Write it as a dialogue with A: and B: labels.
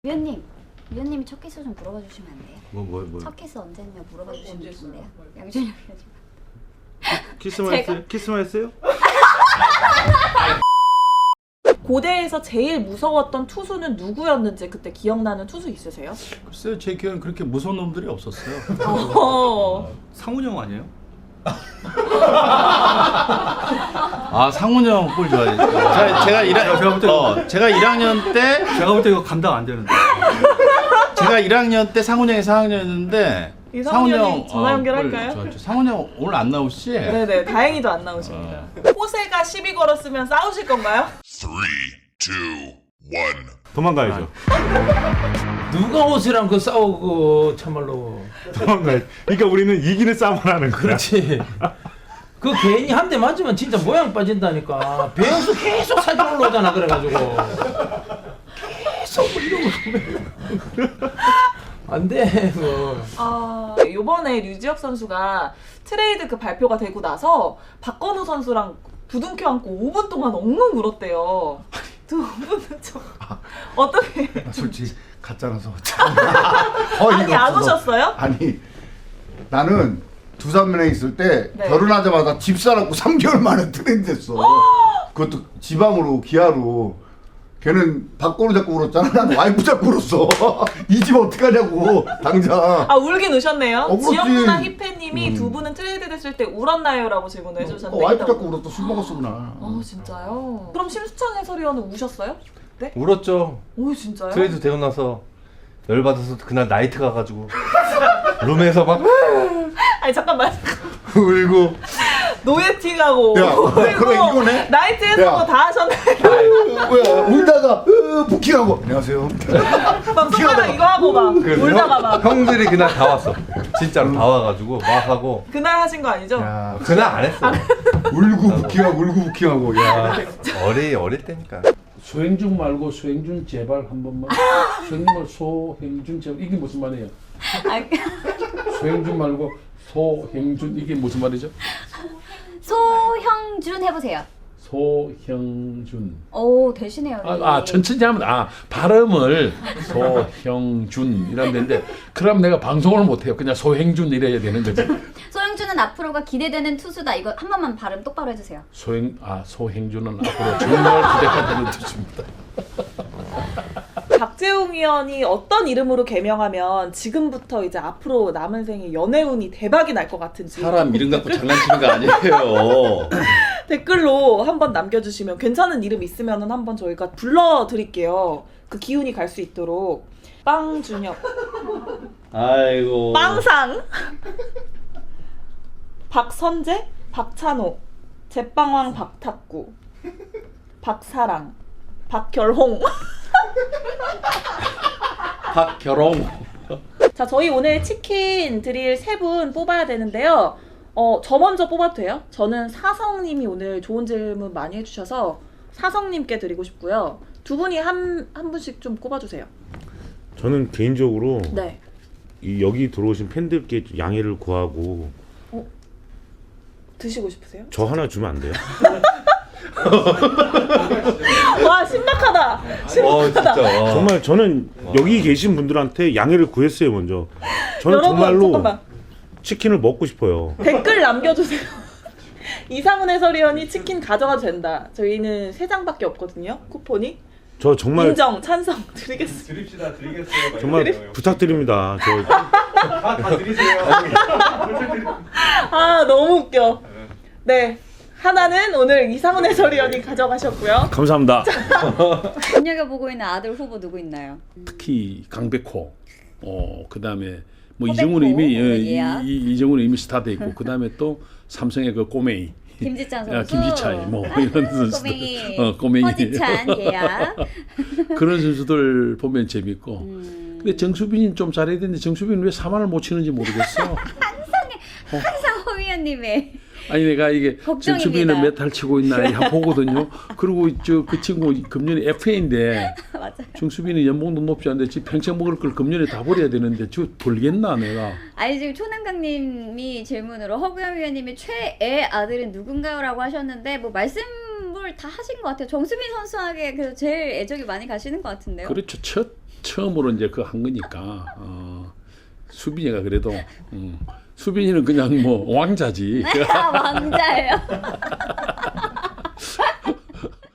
A: 위원님이 첫 키스 좀 물어봐 주시면 안 돼요?
B: 뭐.
A: 첫 키스 언제냐 물어봐 주시면 좋은데요? 양준이
B: 키스만 했어요? 키스만 했어요?
C: 고대에서 제일 무서웠던 투수는 누구였는지 그때 기억나는 투수 있으세요?
D: 글쎄요, 제 기억엔 그렇게 무서운 놈들이 없었어요.
E: 상훈형 아니에요?
D: 상훈형 볼 좋아해요. 제가 1학년 때
E: 제가 볼 때 이거 감당 안 되는데.
D: 제가 1학년 때 상훈형이 4학년이었는데
C: 이상훈이 전화 연결할까요?
D: 상훈형 오늘 안 나오시지?
C: 네네, 다행히도 안 나오십니다. 호세가 시비 걸었으면 싸우실 건가요?
F: 3, 2, 1.
B: 도망가야죠.
G: 누가 옷이랑 그 싸우고 참말로.
B: 도망가야죠. 그러니까 우리는 이기는 싸움을 하는 거야.
G: 그렇지. 그 괜히 한 대 맞으면 진짜 모양 빠진다니까. 배영수 계속 살짝 올라오잖아. 그래가지고 계속 이러고 안 돼.
C: 요번에 류지혁 선수가 트레이드 그 발표가 되고 나서 박건우 선수랑 부둥켜 안고 5분 동안 엉엉 울었대요. 두 분은 좀 어떻게?
H: 솔직히 가짜라서
C: 아니 안 오셨어요?
H: 아니 나는 두산면에 있을 때
C: 네.
H: 결혼하자마자 집 사놓고 3개월 만에 트레이드 됐어. 그것도 지방으로 기아로. 걔는 박건우 잡고 울었잖아. 난 와이프 잡고 울었어. 이 집 어떡하냐고 당장.
C: 울긴 우셨네요.
H: 그렇지.
C: 지영 누나 히페님이 두 분은 트레이드 됐을 때 울었나요? 라고 질문을 해주셨는데
H: 와이프 잡고 울었어. 술 먹었어 그날.
C: 진짜요? 그럼 심수창 해설위원은 우셨어요? 네?
B: 울었죠.
C: 오 진짜요?
B: 트레이드 되고 나서 열받아서 그날 나이트 가가지고 룸에서 막
C: 아니 잠깐만.
H: 울고.
C: 노예팅하고
H: 야, 그래 이거네.
C: 나이트에서
H: 야.
C: 뭐 다 하셨네.
H: 뭐야 울다가 부킹하고 안녕하세요.
C: 막 손가락 이거 하고 막 울다가 막
B: 형들이 그날 다 왔어. 진짜로 다 와가지고 막 하고.
C: 그날 하신 거 아니죠?
H: 야,
B: 그날 안 했어.
H: 울고 부킹하고 야.
B: 어릴 때니까.
D: 소행준 말고 소행준 제발 한 번만. 소행준 소행준 제발 이게 무슨 말이에요? 소행준 말고 소행준 이게 무슨 말이죠?
A: 소형준 해보세요.
D: 소형준.
A: 오 되시네요.
D: 천천히 하면 발음을 소형준 이런 데인데 그럼 내가 방송을 못 해요. 그냥 소행준 이래야 되는 거지.
A: 소형준은 앞으로가 기대되는 투수다. 이거 한 번만 발음 똑바로 해주세요.
D: 소행준은 앞으로 정말 기대한다는 뜻입니다.
C: 박재웅 위원이 어떤 이름으로 개명하면 지금부터 이제 앞으로 남은 생에 연애운이 대박이 날 것 같은지
D: 사람 이름 갖고 장난치는 거 아니에요.
C: 댓글로 한번 남겨주시면 괜찮은 이름 있으면 한번 저희가 불러드릴게요. 그 기운이 갈 수 있도록. 빵준혁,
D: 아이고.
C: 빵상, 박선재, 박찬호, 제빵왕 박탁구, 박사랑, 박결홍.
D: 박결홍.
C: 자, 저희 오늘 치킨 드릴 3분 뽑아야 되는데요. 저 먼저 뽑아도 돼요? 저는 사성님이 오늘 좋은 질문 많이 해주셔서 사성님께 드리고 싶고요. 두 분이 한 분씩 좀 꼽아주세요.
I: 저는 개인적으로
C: 네.
I: 여기 들어오신 팬들께 양해를 구하고
C: 드시고 싶으세요?
I: 저 하나 주면 안 돼요?
C: 와, 신박하다. 신박하다.
B: 진짜.
I: 정말 저는 여기 계신 분들한테 양해를 구했어요 먼저. 저는
C: 여러분,
I: 정말로
C: 잠깐만.
I: 치킨을 먹고 싶어요.
C: 댓글 남겨주세요. 이상훈 해설위원이 치킨 가져가도 된다. 저희는 3장밖에 없거든요. 쿠폰이.
I: 저 정말
C: 인정, 찬성 드리겠습니다.
E: 드리겠어요.
I: 정말 부탁드립니다. 저
E: 다 드리세요.
C: 너무 웃겨. 네. 하나는 오늘 이상훈 해설위원이 가져가셨고요.
I: 감사합니다.
A: 눈여겨보고 있는 아들 후보 누구 있나요?
D: 특히 강백호. 그다음에 뭐
A: 허백호,
D: 이정훈 이미
A: 예약.
D: 이정훈 이미 스타돼 있고 그다음에 또 삼성의 그 꼬맹이.
A: 김지찬 선수.
D: 김지찬 뭐 이런 선수들.
A: 꼬맹이.
D: 꼬맹이.
A: 허지찬 예약.
D: 그런 선수들 보면 재밌고. 근데 정수빈이 좀 잘해야 되는데 정수빈은 왜 4만을 못 치는지 모르겠어.
A: 항상 허 위원님의
D: 아니 내가 이게
A: 걱정입니다.
D: 정수빈은 몇 달 치고 있나 보거든요. 그리고 그 친구 금년에 FA인데
A: 맞아요.
D: 정수빈이 연봉도 높지 않은데 지금 평생 먹을 걸 금년에 다 버려야 되는데 저 벌겠나 내가.
A: 아니 지금 초남강님이 질문으로 허구현 위원님이 최애 아들은 누군가요? 라고 하셨는데 뭐 말씀을 공부를 다 하신 것 같아요. 정수빈 선수에게 그래서 제일 애정이 많이 가시는 것 같은데요.
D: 그렇죠. 처음으로 이제 그 한 거니까 수빈이가 그래도 수빈이는 그냥 뭐 왕자지.
A: 왕자예요.